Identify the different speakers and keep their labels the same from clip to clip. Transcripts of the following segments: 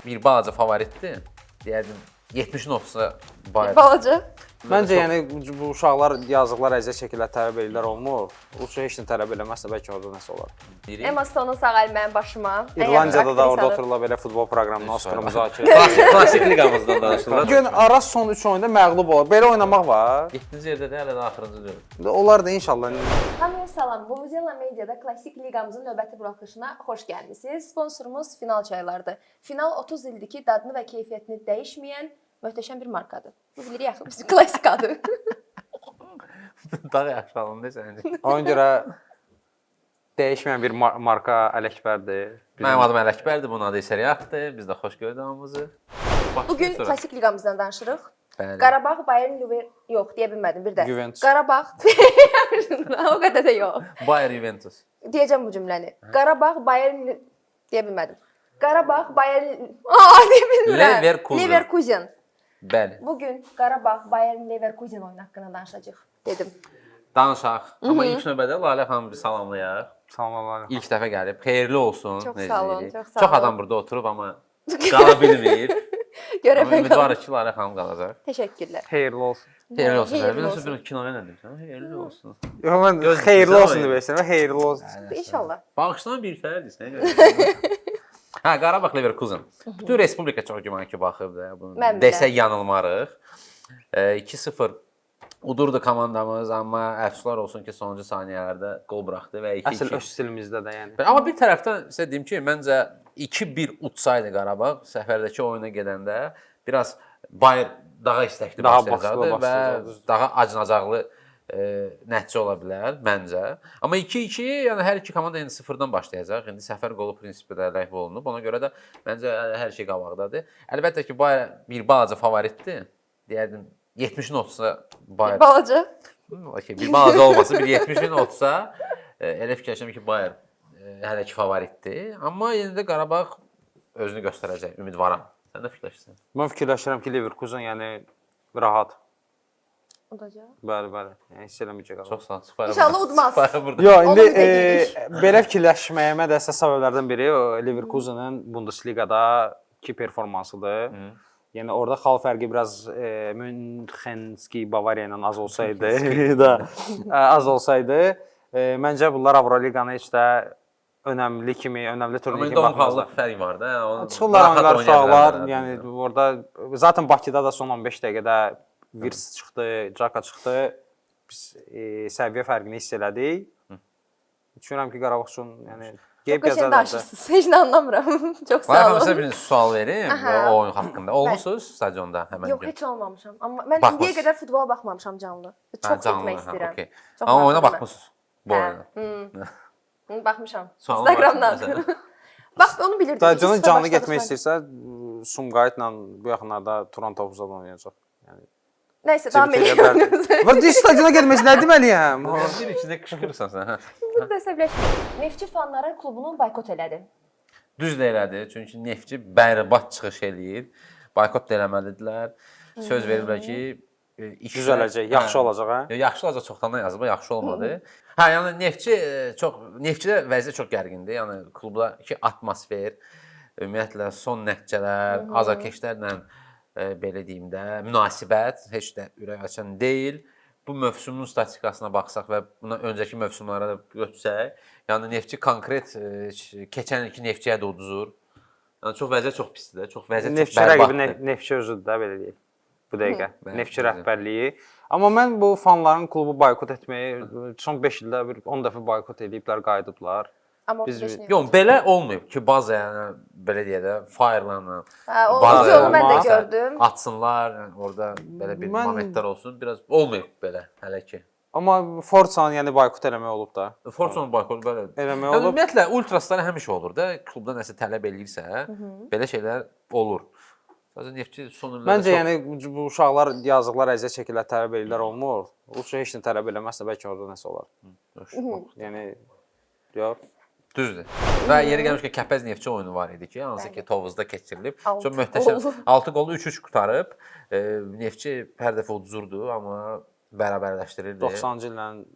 Speaker 1: bir balaca favoritdir. Deyərdim 70-in 30-a Bayern.
Speaker 2: Balaca.
Speaker 3: Məncə yəni bu uşaqlar yazıqlar əziyyət çəkirlər, tələb edirlər olmur. Uçu heç nə tələb eləməzsə bəlkə orada nəsə olar.
Speaker 2: Emma Stone'un sağ əli mənim başıma.
Speaker 3: İrlandiyada da orada otururlar belə futbol proqramına Oscar müzakirə.
Speaker 1: Klassik liqamızdan danışırlar.
Speaker 3: Bu gün Araz son 3 oyunda məğlub olur. Belə oynamaq var.
Speaker 1: 7-ci yerdə də hələ də axırıncı deyil.
Speaker 3: Onlar da inşallah.
Speaker 2: Hamıya salam. Vuvuzela Mediada klassik liqamızın növbəti buraxılışına xoş gəlmisiniz. Sponsorumuz Final çaylardır. Final 30 ildir ki, dadını və keyfiyyətini dəyişməyən möhtəşəm bir markadır. Bu bilirik axı bizim klassik adı.
Speaker 1: Daha yaxşı alındı səncə.
Speaker 3: Ona görə dəyişməyən bir marka Ələkbərdir.
Speaker 1: Mənim adım Ələkbərdir, bunun adı isə Riyaddır. Biz də xoş gördük hamımızı.
Speaker 2: Bugün klassik liqamızdan danışırıq.
Speaker 1: Bəli.
Speaker 2: Qarabağ, Bayern, yox, deyə bilmədim bir də.
Speaker 3: Juventus.
Speaker 2: Qarabağ. O qədər də yox.
Speaker 1: Bayern Juventus.
Speaker 2: Deyəcəm bu cümləni. Qarabağ, Bayern deyə bilmədim. Qarabağ, Bayern deyə bilmirəm. Leverkusen.
Speaker 1: Bəli.
Speaker 2: Bugün Qarabağ, Bayern, Leverkusen oyunu haqqında danışacağıq dedim.
Speaker 1: Danışaq. Amma ilk növbədə Lalə xanımı bir salamlayaq.
Speaker 3: Salamlar.
Speaker 1: İlk dəfə gəlib. Xeyirli olsun.
Speaker 2: Çox
Speaker 1: necə
Speaker 2: sağ olun,
Speaker 1: deyirik.
Speaker 2: çox sağ
Speaker 1: Çox
Speaker 2: olun.
Speaker 1: adam burada oturub amma qala bilmir. Amma ümidvarıq ki, Lalə xanım qalacaq.
Speaker 2: Təşəkkürlər.
Speaker 3: Xeyirli olsun.
Speaker 1: Xeyirli olsun.
Speaker 2: Xeyirli
Speaker 1: Bir
Speaker 2: olsun.
Speaker 1: nəsə bir kinoya nə deyirsən? Xeyirli olsun.
Speaker 3: Yox mən
Speaker 1: Göz
Speaker 3: xeyirli
Speaker 1: güzel
Speaker 3: olsun
Speaker 1: oyun.
Speaker 3: demək istəyirəm. Xeyirli olsun.
Speaker 2: İnşallah.
Speaker 1: Bağışlama bir fərdisən. Hə, Qarabağ Leverkusen. Bütün respublika çox güman ki baxıb da. Bunu
Speaker 2: Mən bilirəm.
Speaker 1: desək yanılmarıq. 2-0 udurdu komandamız, amma əfsuslar olsun ki, sonuncu saniyələrdə qol buraxdı və 2-2.
Speaker 3: Əsl öz stilimizdə də yəni.
Speaker 1: Amma bir tərəfdən sizə deyim ki, məncə 2-1 utsaydı Qarabağ səfərdəki oyuna gedəndə biraz Bayern daha istəkli
Speaker 3: Daha
Speaker 1: başlayacaqdı
Speaker 3: baskılı
Speaker 1: və
Speaker 3: başlayacaqdı.
Speaker 1: daha acınacaqlı nəticə ola bilər məncə. Amma 2-2, yəni hər iki komanda indi 0-dan başlayacaq. İndi səfər qolu prinsipi də ləğv olunub. Ona görə də məncə hər şey qabaqdadır. Əlbəttə ki, Bayern bir balaca favoritdir. Deyərdim 70-in 30-a Bayern.
Speaker 2: Balaca.
Speaker 1: Okay, bir balaca olmasa, bir 70-in 30-a elə fikirləşirəm ki, Bayern hələ ki favoritdir. Amma yenə də Qarabağ özünü göstərəcək, ümidvaram. Sən də fikirləşirsən?
Speaker 3: Mən fikirləşirəm ki, Leverkusen yəni rahat.
Speaker 2: Udacaq.
Speaker 3: Bəli, bəli. Yəni hiss eləməyəcək qalıb.
Speaker 1: Çox sağ ol. Sıfara
Speaker 2: İnşallah
Speaker 1: burada.
Speaker 2: udmaz.
Speaker 1: Sıfara burada.
Speaker 3: Yox, indi
Speaker 2: Onu deyirik.
Speaker 3: belə fikirləşməyimə də əsas səbəblərdən biri o Leverkusenin Bundesliqada ki performansıdır. Yəni orada xal fərqi biraz Münchenski Bavariya ilə az olsaydı da az olsaydı, məncə bunlar Avroliqanı heç də önəmli kimi, önəmli turnir kimi baxmazlar.
Speaker 1: Amma fərq var da.
Speaker 3: Çıxırlar oyunlar, uşaqlar, yəni orada zaten Bakıda da son 15 dəqiqədə Virs çıxdı, Caka çıxdı. Biz səviyyə fərqini hiss elədik. Düşünürəm ki, Qarabağ üçün yəni
Speaker 2: Çox qəşəng danışırsınız. Heç nə anlamıram. Çox sağ
Speaker 1: Var
Speaker 2: olun.
Speaker 1: sizə bir sual verim o oyun haqqında. Olmusunuz stadionda həmin gün?
Speaker 2: Yox, heç olmamışam. Amma mən
Speaker 1: Baxmısınız.
Speaker 2: indiyə qədər futbola baxmamışam canlı. Çox getmək istəyirəm.
Speaker 1: Okay.
Speaker 2: Çox
Speaker 1: Amma oyuna
Speaker 2: maraqlıdır.
Speaker 1: baxmısınız bu oyuna.
Speaker 2: Baxmışam.
Speaker 1: Sualım var
Speaker 2: Instagramdan.
Speaker 1: məsələn.
Speaker 2: Bax, onu bilirdim.
Speaker 3: Stadiona canlı getmək istəyirsə, Sumqayıtla bu yaxınlarda Toronto Hovuzada oynayacaq. Yəni
Speaker 2: Nəysə, davam edelim.
Speaker 3: Və deyir stadiona getməsi nə deməliyəm?
Speaker 1: Bir içində qışqırırsan sən. Hə.
Speaker 2: Burada əsəbləşdim. Neftçi fanları klubunu boykot elədi.
Speaker 1: Düz də elədi. Çünki Neftçi bərbad çıxış eləyir. Boykot da eləməlidirlər. Söz veriblər ki,
Speaker 3: Düzələcək, yaxşı olacaq, hə?
Speaker 1: Yaxşı olacaq çoxdandan yazıb, yaxşı olmadı. Hə, yəni Neftçidə vəziyyət çox gərgindir. Yəni klubdakı atmosfer, ümumiyyətlə son nəticələr, azarkeşlərlə belə deyim də, münasibət heç də ürək açan deyil. Bu mövsümün statistikasına baxsaq və buna öncəki mövsümlərə də götürsək, yəni Neftçi konkret keçən ilki Neftçiyə də uduzur. Yəni çox vəziyyət çox pisdir, çox vəziyyət çox
Speaker 3: Neftçi rəqibi
Speaker 1: bərbaddır.
Speaker 3: Neftçi özüdür də belə deyək. Bu dəqiqə
Speaker 1: bəli,
Speaker 3: Neftçi
Speaker 1: bəli.
Speaker 3: rəhbərliyi. Amma mən bu fanların klubu boykot etməyi son 5 ildə bir 10 dəfə boykot ediblər, qayıdıblar.
Speaker 2: Amma
Speaker 3: Biz-
Speaker 1: Yox, belə olmayıb ki, bazı yəni belə deyə də fire'larla
Speaker 2: o
Speaker 1: bazı
Speaker 2: videonu mən də
Speaker 3: olmaz.
Speaker 2: gördüm.
Speaker 1: atsınlar, yəni orada belə bir
Speaker 3: Mən-
Speaker 1: momentlər olsun. Biraz olmayıb belə hələ ki.
Speaker 3: Amma Forza-nı yəni boykot eləmək olub da.
Speaker 1: Fortune boykot belə.
Speaker 3: Eləmək
Speaker 1: Yəni,
Speaker 3: olub.
Speaker 1: ümumiyyətlə ultraslar həmişə olur da, klubda nəsə tələb eləyirsə, belə şeylər olur. Sadəcə Neftçi son illərdə
Speaker 3: Məncə yəni bu uşaqlar yazıqlar əziyyət çəkirlər, tələb edirlər olmur. Uçu heç nə tələb eləməzsə bəlkə orada nəsə olar. Yəni yox.
Speaker 1: düzdür. Və yeri gəlmişkən Kəpəz Neftçi oyunu var idi ki, hansı ki Tovuzda keçirilib.
Speaker 2: Altı
Speaker 1: Çox möhtəşəm.
Speaker 2: qol.
Speaker 1: 6 qolu 3-3 qutarıb. Neftçi hər dəfə uduzurdu, amma bərabərləşdirirdi.
Speaker 3: 90-cı illə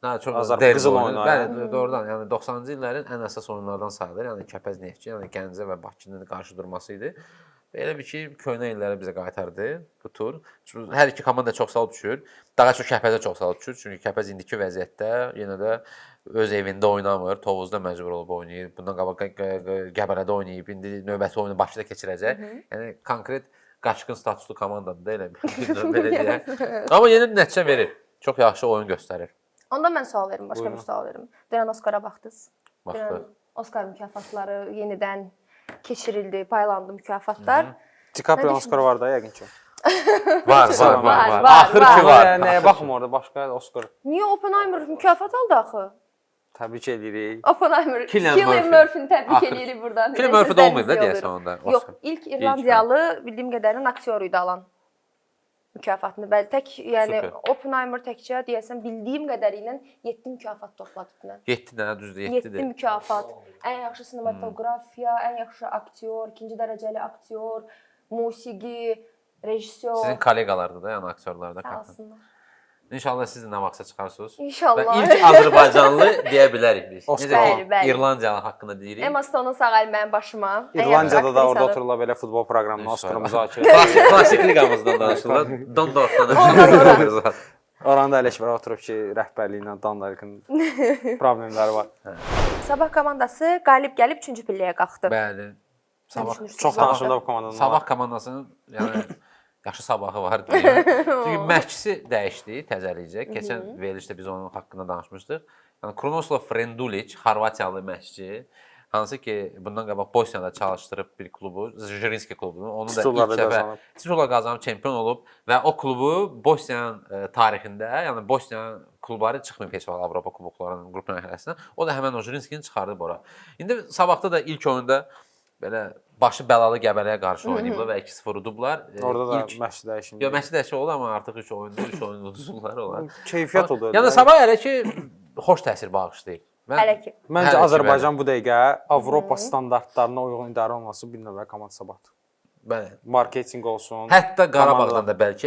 Speaker 1: Daha çox
Speaker 3: Azərbaycan qızıl oyunu.
Speaker 1: Bəli, doğrudan. Yəni 90-cı illərin ən əsas oyunlardan sayılır. Yəni Kəpəz Neftçi, yəni Gəncə və Bakının qarşı durması idi. Elə bir ki, köhnə illərə bizə qaytardı bu tur. Çünki hər iki komanda çox sağ düşür. Daha çox Kəpəzə çox sağ düşür. Çünki Kəpəz indiki vəziyyətdə yenə də öz evində oynamır. Tovuzda məcbur olub oynayır. Bundan qabaq Qəbələdə oynayıb. İndi növbəti oyunu Bakıda keçirəcək. Yəni konkret qaçqın statuslu komandadır da elə belə deyək. Amma yenə nəticə verir. Çox yaxşı oyun göstərir.
Speaker 2: Onda mən sual verim, başqa bir sual verim. Dünən Oskara baxdınız.
Speaker 1: Baxdıq.
Speaker 2: Dünən Oskar mükafatları yenidən keçirildi, paylandı mükafatlar.
Speaker 3: DiCaprio Oscar var da yəqin ki.
Speaker 1: Var.
Speaker 2: Var.
Speaker 1: Axır ki var.
Speaker 3: Nəyə baxım orada başqa Oscar.
Speaker 2: Niyə Oppenheimer mükafat aldı axı?
Speaker 3: Təbrik edirik.
Speaker 2: Oppenheimer,
Speaker 1: Cillian
Speaker 2: Cillian
Speaker 1: Murphy.
Speaker 2: Murphy-ni təbrik
Speaker 1: Axır.
Speaker 2: edirik buradan.
Speaker 1: Cillian Murphy də olmayıb da deyəsən onda.
Speaker 2: Yox, ilk İrlandiyalı bildiyim qədərilə aktyor idi alan mükafatını. Bəli, tək yəni
Speaker 1: Super.
Speaker 2: Oppenheimer təkcə deyəsən bildiyim qədərilə 7 mükafat topladı dünən.
Speaker 1: 7 dənə düzdür,
Speaker 2: 7
Speaker 1: 7-dir.
Speaker 2: mükafat. Ən yaxşı sinematografiya, ən yaxşı aktyor, ikinci dərəcəli aktyor, musiqi, rejissor.
Speaker 1: Sizin kolleqalardır da, yəni aktyorlar da
Speaker 2: Sağ
Speaker 1: qatın.
Speaker 2: olsunlar.
Speaker 1: İnşallah siz də nə vaxtsa çıxarsınız. Və
Speaker 2: İnşallah.
Speaker 1: ilk Azərbaycanlı deyə bilərik biz.
Speaker 3: Oscar.
Speaker 2: Bəli, bəli.
Speaker 1: İrlandiyalı haqqında deyirik.
Speaker 2: Emma Stone sağ əl mənim başıma. Ən
Speaker 3: İrlandiyada
Speaker 2: yaxşı
Speaker 3: da orada
Speaker 2: aktrisadır.
Speaker 3: otururlar belə futbol proqramında Oscar müzakirə.
Speaker 1: Klassik liqamızdan danışırlar. Dondorfdan danışırlar.
Speaker 3: Oranda Ələkbər oturub ki, rəhbərliyinə Dandarkın problemləri var.
Speaker 2: Sabah komandası qalib gəlib 3-cü pilləyə qalxdı.
Speaker 1: Bəli.
Speaker 2: Nə
Speaker 1: Sabah
Speaker 2: düşünürsünüz?
Speaker 3: Çox danışıldı bu komandanın.
Speaker 1: Sabah komandasının yəni yaxşı sabahı var deyək. Çünki məşqçisi dəyişdi, təzələyəcək. Keçən verilişdə biz onun haqqında danışmışdıq. Yəni Kronoslav Frendulic, Xorvatiyalı məşqçi, hansı ki bundan qabaq Bosniyada çalışdırıb bir klubu, Zrinski klubunu, onu da
Speaker 3: Titulları
Speaker 1: ilk dəfə
Speaker 3: qazanıb.
Speaker 1: titullar qazanıb çempion olub və o klubu Bosniyanın tarixində, yəni Bosniya klubları çıxmayıb heç vaxt Avropa kuboklarının qrup mərhələsinə. O da həmin o Zrinskini çıxardıb ora. İndi sabahda da ilk oyunda belə başı bəlalı Qəbələyə qarşı oynayıblar və 2-0 udublar.
Speaker 3: Orada da
Speaker 1: İlk-
Speaker 3: məşq dəyişimi.
Speaker 1: Yox, məşq dəyişikliyi oldu, amma artıq 3 oyunda 3 oyun uduzurlar olar.
Speaker 3: Keyfiyyət oldu.
Speaker 1: Yəni sabah hələ ki xoş təsir bağışlayır.
Speaker 2: Hələ ki.
Speaker 3: Məncə
Speaker 1: Hələ ki,
Speaker 3: Azərbaycan bu dəqiqə Avropa standartlarına uyğun idarə olması bir növ komanda sabahdır.
Speaker 1: Bəli.
Speaker 3: Marketinq olsun.
Speaker 1: Hətta Qarabağdan
Speaker 3: komanda-
Speaker 1: da bəlkə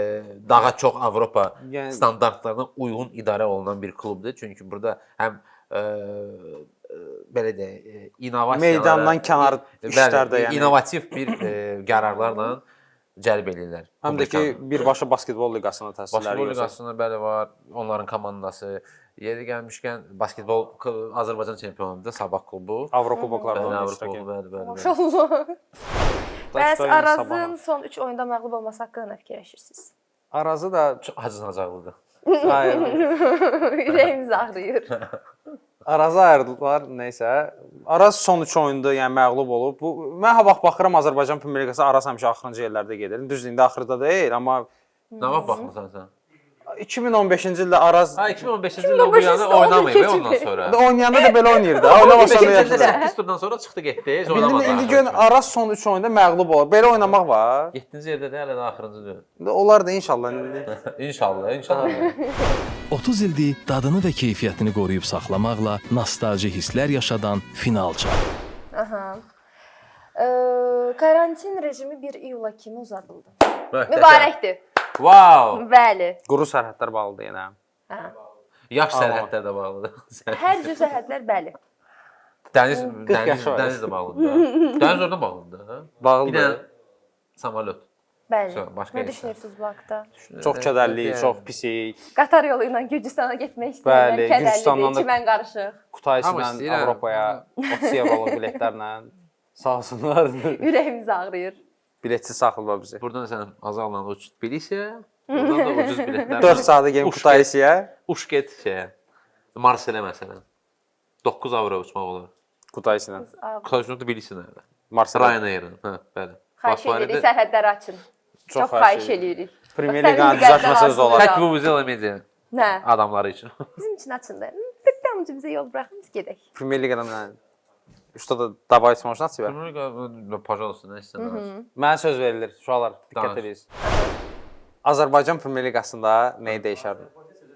Speaker 1: daha çox Avropa
Speaker 3: Yəni-
Speaker 1: standartlarına uyğun idarə olunan bir klubdur. Çünki burada həm belə deyək, innovasiyalara
Speaker 3: Meydandan kənar işlər də yəni.
Speaker 1: innovativ bir qərarlarla cəlb edirlər.
Speaker 3: Həm də ki birbaşa basketbol liqasına təsirləri
Speaker 1: Basketbol
Speaker 3: göstərir.
Speaker 1: liqasında bəli var, onların komandası. Yeri gəlmişkən basketbol Azərbaycan çempionudur, Sabah klubu.
Speaker 3: Avropa kuboklarında
Speaker 1: Bəli,
Speaker 3: oynayır.
Speaker 1: Avropa klubu, bəli, bəli.
Speaker 2: Maşallah. Bəs
Speaker 3: Sabahın.
Speaker 2: Arazın son 3 oyunda məğlub olması haqqında nə fikirləşirsiniz?
Speaker 3: Arazı da
Speaker 1: Çox acınacaqlıdır.
Speaker 3: hayır.
Speaker 2: Ürəyimiz ağrıyır.
Speaker 3: Arazı ayrıldılar, nəysə. Araz son 3 oyunda yəni məğlub olub. Bu mən ha vaxt baxıram Azərbaycan Premyer Liqası Araz həmişə axırıncı yerlərdə gedir. Düzdür, indi axırda deyil, amma
Speaker 1: Nə vaxt baxmısan sən?
Speaker 3: 2015-ci ildə Araz
Speaker 1: Ha 2015-ci ildən bu yana
Speaker 2: 2015-ci
Speaker 1: oynamayıb
Speaker 2: ildə
Speaker 1: ondan sonra.
Speaker 3: oynayanda da belə oynayırdı. Oynamasa da
Speaker 1: 2015-ci ildə
Speaker 3: yaxşı.
Speaker 1: 8 turdan sonra çıxdı getdi, heç oynamadı.
Speaker 3: İndi gör Araz son 3 oyunda məğlub olur. Belə oynamaq var.
Speaker 1: 7-ci yerdə də hələ də axırıncı deyil.
Speaker 3: İndi onlar da inşallah indi.
Speaker 1: İnşallah, inşallah.
Speaker 4: 30 ildir dadını və keyfiyyətini qoruyub saxlamaqla nostalji hisslər yaşadan Finalça.
Speaker 2: Aha. Karantin rejimi 1 iyula kimi uzadıldı.
Speaker 1: Möhtəşəm.
Speaker 2: Mübarəkdir.
Speaker 1: Wow!
Speaker 2: Bəli.
Speaker 3: Quru sərhədlər bağlıdır yenə.
Speaker 2: Hə.
Speaker 1: Yaş sərhədlər də bağlıdır.
Speaker 2: Hər cür sərhədlər bəli.
Speaker 1: Dəniz
Speaker 3: yaşı var.
Speaker 1: dəniz də bağlıdır. Dəniz orada bağlıdır. Bir dənə
Speaker 3: Bağlıdır.
Speaker 1: samolyot.
Speaker 2: Bəli.
Speaker 1: Sonra başqa
Speaker 2: Nə
Speaker 1: heç nə.
Speaker 2: düşünürsüz bu haqqda?
Speaker 3: Çox kədərli, çox pisik.
Speaker 2: Qatar yolu ilə Gürcüstana getmək istəyirlər.
Speaker 3: Bəli,
Speaker 2: Kədərlidir,
Speaker 3: Gürcüstandan da-
Speaker 2: çimən qarışıq.
Speaker 3: Kutayla
Speaker 1: Amma istəyirəm.
Speaker 3: Avropaya 30 evroluk biletlərlə sağ olsunlar.
Speaker 2: Ürəyimiz ağrıyır.
Speaker 3: Biletsiz saxlayırlar bizi.
Speaker 1: Buradan sən azalla uç Tbilisiyə, buradan da ucuz biletlər.
Speaker 3: 4 saata gəlib Kutaisiyə.
Speaker 1: Uç get şeyə. Marselə məsələn. 9 avro uçmaq olar.
Speaker 3: Kutaisilə.
Speaker 1: Kutaşın Tbilisiyə.
Speaker 3: Marseille.
Speaker 1: Ryanair-ın. Hə, bəli.
Speaker 2: Xahiş edirik, sərhədləri açın. Çox
Speaker 3: xahiş
Speaker 2: xahiş edirik.
Speaker 3: Premier
Speaker 2: Bax,
Speaker 3: Liqanı
Speaker 2: sənin diqqətli
Speaker 3: düzəltməsəniz də olar.
Speaker 2: lazımdır.
Speaker 1: Tək bu Vuzela Media
Speaker 2: Nə?
Speaker 1: adamları üçün.
Speaker 2: Bizim üçün açındı. Tıqqamcı bizə yol buraxın, biz gedək.
Speaker 3: Premier Liqadan mən Что-то добавить можно от себя?
Speaker 1: Pожалуйsta, nə istəsən.
Speaker 3: Mənə söz verilir. Uşaqlar, diqqət
Speaker 1: Danış.
Speaker 3: edin. Azərbaycan Premyer Liqasında nəyi dəyişərdin?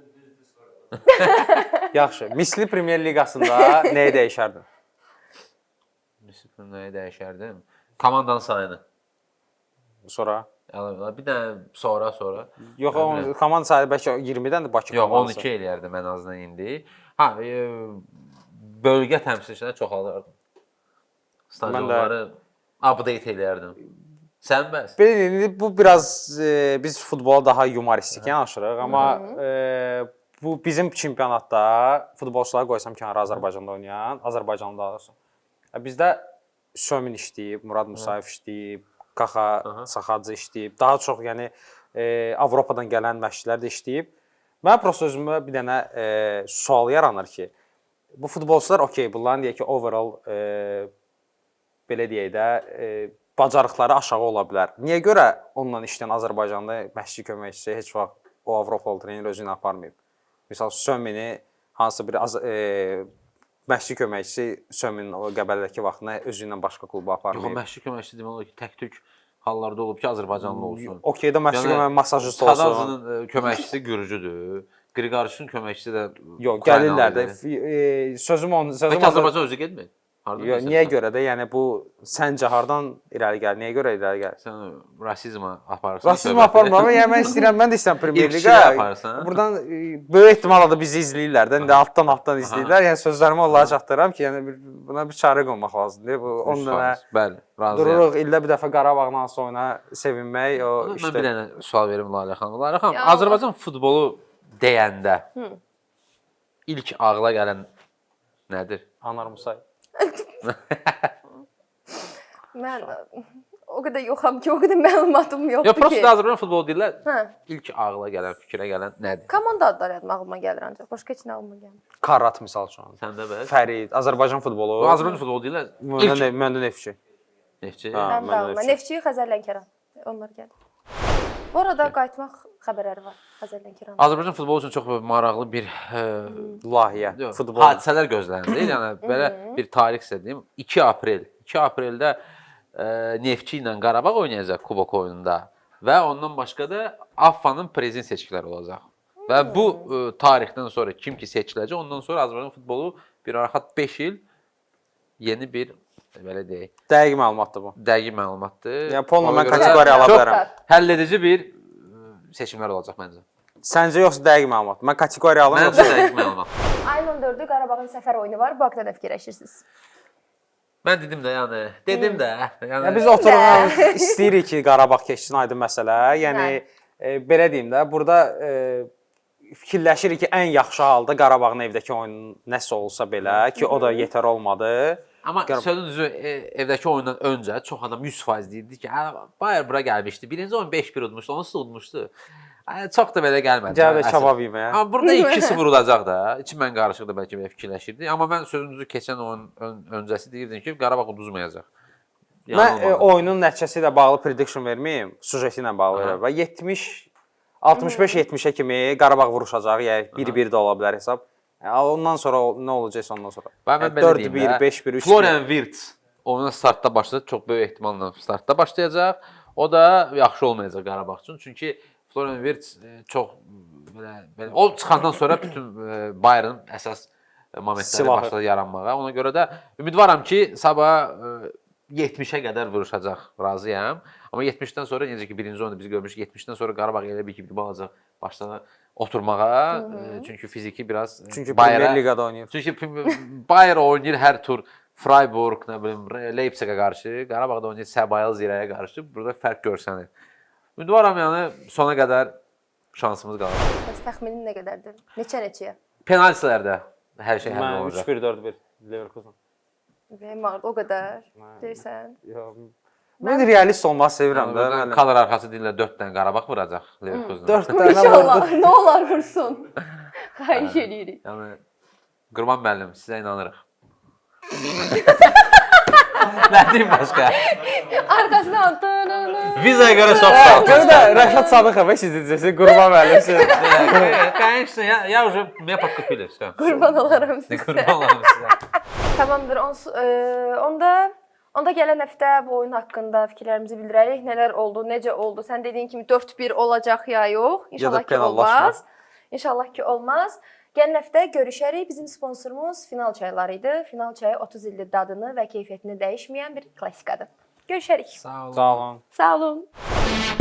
Speaker 3: Yaxşı. Misli Premyer Liqasında nəyi dəyişərdin?
Speaker 1: Nəyi dəyişərdim? Komandanın sayını.
Speaker 3: Sonra
Speaker 1: Yəni bir dənə sonra.
Speaker 3: Yox, o komanda sayı bəlkə 20-dən də Bakı
Speaker 1: Yox,
Speaker 3: komandası.
Speaker 1: 12 eləyərdim ən azından indi. Ha, bölgə təmsilçilərini çoxaldardım. Stadionları update eləyərdim. Sən bəs?
Speaker 3: Belə indi bu biraz biz futbola daha yumoristik yanaşırıq, amma bu bizim çempionatda futbolçuları qoysam kənara Azərbaycanda oynayan, Azərbaycanda olsun. Bizdə Sömin işləyib, Murad Musayev işləyib, Qaxa Saxacı işləyib. Daha çox yəni Avropadan gələn məşqçilər də işləyib. Mən prosta özümə bir dənə sual yaranır ki, bu futbolçular okey, bunların deyək ki, overall belə deyək də bacarıqları aşağı ola bilər. Niyə görə onunla işləyən Azərbaycanda məşqçi köməkçisi heç vaxt o Avropalı trener özü ilə aparmayıb? Məsəl Sömini hansısa bir məşqçi köməkçisi Söminin o Qəbələdəki vaxtında özü ilə başqa kluba aparmayıb.
Speaker 1: Yox, məşqçi köməkçisi demək olar ki, tək-tük hallarda olub ki, Azərbaycanlı olsun.
Speaker 3: Okey də məşqçi masajist olsun.
Speaker 1: Tadazının köməkçisi Gürcüdür. Qriqoruşun köməkçisi də
Speaker 3: yox, gəlirlər də. Sözüm
Speaker 1: Azərbaycan özü getmir.
Speaker 3: Yox, niyə görə də? Yəni bu səncə hardan irəli gəlir? Niyə görə irəli gəlir?
Speaker 1: Sən rasizmə aparırsan.
Speaker 3: Rasizm aparmıram, amma yəni mən istəyirəm, mən də istəyirəm Premyer Liqa. Buradan böyük ehtimalla da bizi izləyirlər də, indi altdan izləyirlər. Yəni sözlərimi onlara çatdırıram ki, yəni buna bir çarə qoymaq lazımdır. Bu 10 dənə
Speaker 1: bəli, razıyam.
Speaker 3: Dururuq ildə bir dəfə Qarabağla oyuna sevinmək, o
Speaker 1: Mən
Speaker 3: işte.
Speaker 1: bir dənə sual verim Lalə xanım. Lalə xanım, Azərbaycan futbolu deyəndə ilk ağla gələn nədir?
Speaker 3: Anar Musayev.
Speaker 2: Mən o qədər yoxam ki, o qədər məlumatım yoxdur
Speaker 1: Yox,
Speaker 2: ki.
Speaker 1: prosta Azərbaycan futbolu deyirlər.
Speaker 2: Hə.
Speaker 1: İlk ağla gələn, fikrə gələn nədir?
Speaker 2: Komanda adları ağlıma gəlir ancaq. Başqa heç nə ağlıma gəlmir.
Speaker 3: Karat misal üçün.
Speaker 1: Səndə bəs?
Speaker 3: Fərid, Azərbaycan futbolu.
Speaker 1: Azərbaycan futbolu deyirlər.
Speaker 3: Məndə Neftçi.
Speaker 1: Neftçi.
Speaker 2: Mən də ağlıma. Neftçi, Xəzər Lənkəran. Onlar gəlir. Bu arada qayıtmaq xəbərləri var Xəzər Lənkəran.
Speaker 1: Azərbaycan futbolu üçün çox maraqlı bir
Speaker 3: layihə, futbol
Speaker 1: hadisələr gözlənilir. Yəni belə bir tarix sizə deyim. 2 aprel. 2 apreldə Neftçi ilə Qarabağ oynayacaq kubok oyununda və ondan başqa da AFFA-nın prezident seçkiləri olacaq. Və bu tarixdən sonra kim ki seçiləcək, ondan sonra Azərbaycan futbolu bir rahat 5 il yeni bir belə deyək.
Speaker 3: Dəqiq məlumatdır bu.
Speaker 1: Dəqiq məlumatdır.
Speaker 3: Yəni Polla mən kateqoriya ala bilərəm.
Speaker 1: Həlledici bir seçimlər olacaq məncə.
Speaker 3: Səncə yoxsa dəqiq məlumat? Mən kateqoriya alım
Speaker 1: Məncə
Speaker 3: yoxsa?
Speaker 1: dəqiq məlumat.
Speaker 2: Ayın 14-ü Qarabağın səfər oyunu var. Bu haqqda nə fikirləşirsiniz?
Speaker 1: Mən dedim də, yəni dedim də.
Speaker 3: Yəni biz oturuq istəyirik ki, Qarabağ keçsin aydın məsələ. Yəni belə deyim də, burada fikirləşirik ki, ən yaxşı halda Qarabağın evdəki oyunu nəsə olsa belə ki, o da yetər olmadı.
Speaker 1: Amma sözün düzü evdəki oyundan öncə çox adam 100% deyirdi ki, Bayern bura gəlmişdi. Birinci oyun 5-1 udmuşdu, onsuz da udmuşdu. Çox da belə gəlmədi.
Speaker 3: Gəl də kebab yeməyə.
Speaker 1: Amma burada 2-0 udacaq da. İçim mən qarışıq da bəlkə belə fikirləşirdi. Amma mən sözün düzü keçən oyun öncəsi deyirdim ki, Qarabağ uduzmayacaq.
Speaker 3: Mən oyunun nəticəsi ilə bağlı prediction verməyim, sujeti ilə bağlı verəm. Və 65-70-ə kimi Qarabağ vuruşacaq, yəni 1-1 də ola bilər hesab. Ondan sonra nə olacaqsa ondan sonra. 4-1, 5-1, 3-1.
Speaker 1: Florian Wirtz oyuna startda başladı, çox böyük ehtimalla startda başlayacaq. O da yaxşı olmayacaq Qarabağ üçün. Çünki Florian Wirtz çox belə o çıxandan sonra bütün Bayernın əsas momentləri başladı yaranmağa. Ona görə də ümidvaram ki, sabah 70-ə qədər vuruşacaq, razıyam. Amma 70-dən sonra necə ki birinci oyunda biz görmüşük, 70-dən sonra Qarabağ elə bir ki bir balacaq başladı oturmağa. Çünki fiziki biraz
Speaker 3: çünki Premyer Liqada oynayır.
Speaker 1: Çünki Bayer oynayır hər tur Freiburg, nə bilim, Leipzigə qarşı, Qarabağda oynayır Səbayıl Zirəyə qarşı. Burada fərq görsənir. Ümidvaram yəni sona qədər şansımız qalır.
Speaker 2: Bəs təxminin nə qədərdir? Neçə-neçəyə?
Speaker 1: Penaltilərdə hər şey həll olacaq.
Speaker 3: 3-1, 4-1 Leverkusen.
Speaker 2: O qədər deyirsən.
Speaker 3: Mən realist olmaq sevirəm də.
Speaker 1: Kadr arxası deyirlər 4 dənə Qarabağ vuracaq Leverkusen.
Speaker 3: 4 dənə
Speaker 2: İnşallah, nə olar vursun. Xahiş edirik.
Speaker 1: Yəni Qurban müəllim, sizə inanırıq. Nə deyim başqa?
Speaker 2: Arkasından
Speaker 1: Vizaya görə çox sağ ol.
Speaker 3: Görə də Rəşad Sadıqov sizəcəsi Qurban müəllim.
Speaker 1: Конечно, я уже меня подкупили, всё.
Speaker 2: Qurban olaram sizə.
Speaker 1: Qurban olaram sizə.
Speaker 2: Tamamdır. Onda gələn həftə bu oyun haqqında fikirlərimizi bildirərik. Nələr oldu, necə oldu? Sən dediyin kimi 4-1 olacaq ya yox? İnşallah ki olmaz. İnşallah ki olmaz. Gələn həftə görüşərik. Bizim sponsorumuz Final çayları idi. Final çayı 30 ildir dadını və keyfiyyətini dəyişməyən bir klassikadır. Görüşərik.
Speaker 1: Sağ olun.
Speaker 3: Sağ olun.
Speaker 2: Sağ olun.